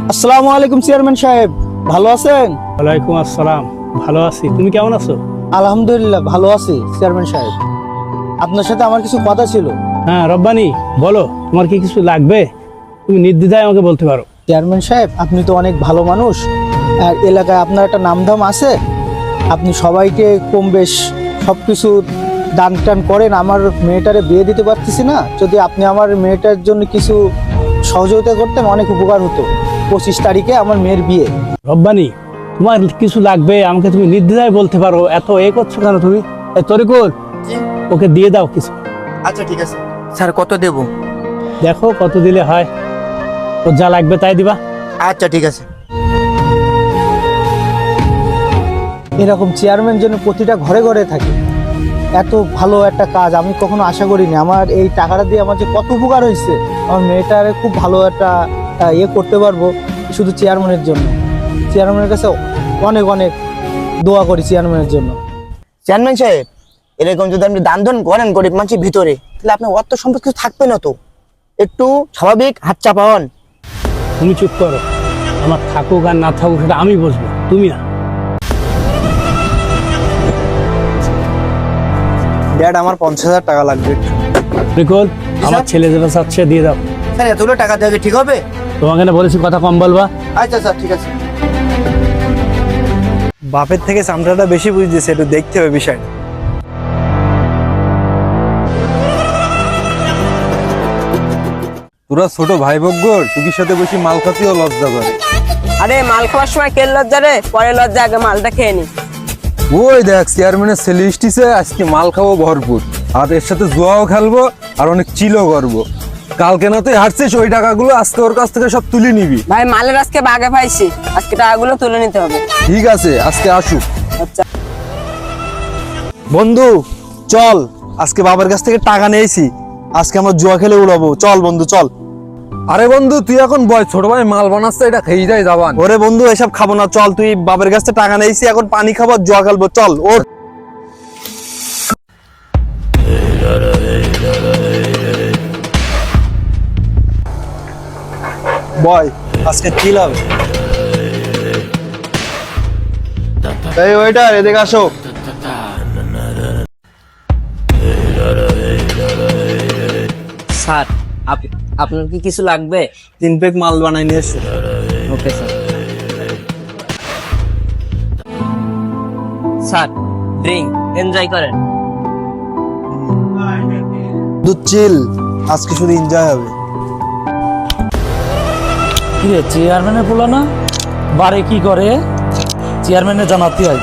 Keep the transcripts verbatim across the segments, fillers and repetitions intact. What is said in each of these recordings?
আসসালামু আলাইকুম চেয়ারম্যান সাহেব, ভালো আছেন? ওয়ালাইকুম আসসালাম, ভালো আছি। তুমি কেমন আছো? আলহামদুলিল্লাহ ভালো আছি চেয়ারম্যান সাহেব। আপনার সাথে আমার কিছু কথা ছিল। হ্যাঁ রব্বানি, বলো তোমার কি কিছু লাগবে? তুমি নির্দ্বিধায় আমাকে বলতে পারো। চেয়ারম্যান সাহেব, আপনি তো অনেক ভালো মানুষ, আর এলাকায় আপনার একটা নামধাম আছে। আপনি সবাইকে কম বেশ সব কিছু দান টান করেন। আমার মেয়েটারে বিয়ে দিতে পারতেছি না, যদি আপনি আমার মেয়েটার জন্য কিছু সহযোগিতা করতেন অনেক উপকার হতো। পঁচিশ তারিখে আমার মেয়ের বিয়ে। রব্বানি, তোমার কিছু লাগবে আমাকে তুমি নির্দ্বিধায় বলতে পারো, এত এ করছো কেন তুমি? এ তরিকুল, ওকে দিয়ে দাও কিছু। আচ্ছা ঠিক আছে স্যার, কত দেব? দেখো কত দিলে হয়, ওর যা লাগবে তাই দিবা। আচ্ছা ঠিক আছে। এরকম চেয়ারম্যান যেন প্রতিটা ঘরে ঘরে থাকে, এত ভালো একটা কাজ আমি কখনো আশা করিনি। আমার এই টাকাটা দিয়ে আমার যে কত উপকার হয়েছে, আমার মেয়েটারে খুব ভালো একটা আহ, ইয়ে করতে পারবো শুধু চেয়ারম্যানের জন্য। চেয়ারম্যানের কাছে অনেক অনেক দোয়া করি চেয়ারম্যানের জন্য। চেয়ারম্যান সাহেব, এরকম যদি আপনি দান ধান করেন গরিব মানুষের ভিতরে, তাহলে আপনার অর্থ সম্পদ কিছু থাকবে না তো। একটু স্বাভাবিক হাত চাপা হন। তুমি চুপ করো, আমার থাকুক আর না থাকুক সেটা আমি বুঝবো, তুমি না। ড্যাড, আমার পঞ্চাশ হাজার টাকা লাগবে। তরিকুল, আমার স্যার? ছেলে যেটা চাচ্ছে দিয়ে দাও। স্যার এতগুলো টাকা দেওয়া কি ঠিক হবে? তোমাকে না বলেছি কথা কম বলবা। আচ্ছা স্যার ঠিক আছে। বাপের থেকে চামড়াটা বেশি বুঝতেছে, একটু দেখতে হবে বিষয়টা। তোরা ছোট ভাই বগ্গর টুকির সাথে বসে মাল খাতেও লজ্জা করে। আরে মাল খাওয়ার সময় কেল লজ্জা রে, পরে লজ্জা, আগে মালটা খেয়ে নি। ওই দেখ চেয়ারম্যানের ছেলে এসেছে, আজকে মাল খাবো ভরপুর, আর এর সাথে জুয়াও খেলবো আর অনেক চিলও করবো। কালকে না তুই হারছিস, ওই টাকাগুলো আজকে ওর কাছ থেকে সব তুলে নিবি। ভাই মালের আজকে বাগে পাইছি, আজকে টাকাগুলো তুলে নিতে হবে। ঠিক আছে, আজকে আসুক। আচ্ছা বন্ধু চল, আজকে বাবার কাছ থেকে টাকা নিয়েছি, আজকে আমরা জুয়া খেলে উড়াবো। চল বন্ধু চল। আরে বন্ধু তুই এখন বয়, ছোট ভাই মাল বানাচ্ছে, এটা খেয়ে যায় যাবান। ওরে বন্ধু এসব খাবো না, চল। তুই বাবার কাছ থেকে টাকা নিয়েছি, এখন পানি খাবো আর জুয়া খেলবো, চল ওঠ। বয়, আজকে কি হবে? এই ওয়েটার, এদিকে আসো। স্যার, আপ- আপনার কি কিছু লাগবে? তিন প্যাক মাল বানাই নিয়ে এসো। Okay sir. Sir drink enjoy করেন। দুধ চিল, আজকে শুধু এনজয় হবে। কিরে চেয়ারম্যানের বলো না বারে কি করে, চেয়ারম্যানের জানাতে হয়।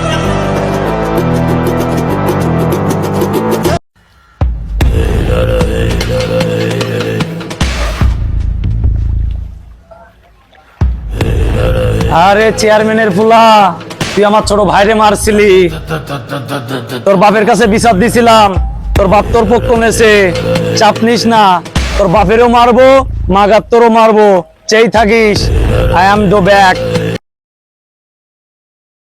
আরে চেয়ারম্যানের ফুলা, তুই আমার ছোট ভাইরে মারছিলি, তোর বাপের কাছে বিচার দিছিলাম, তোর বাপ তোর পক্ষ নেছে, চাপ নিস না, তোর বাপেরও মারবো, মাগার তোরও মারবো, চেই থাকিস। I am do back.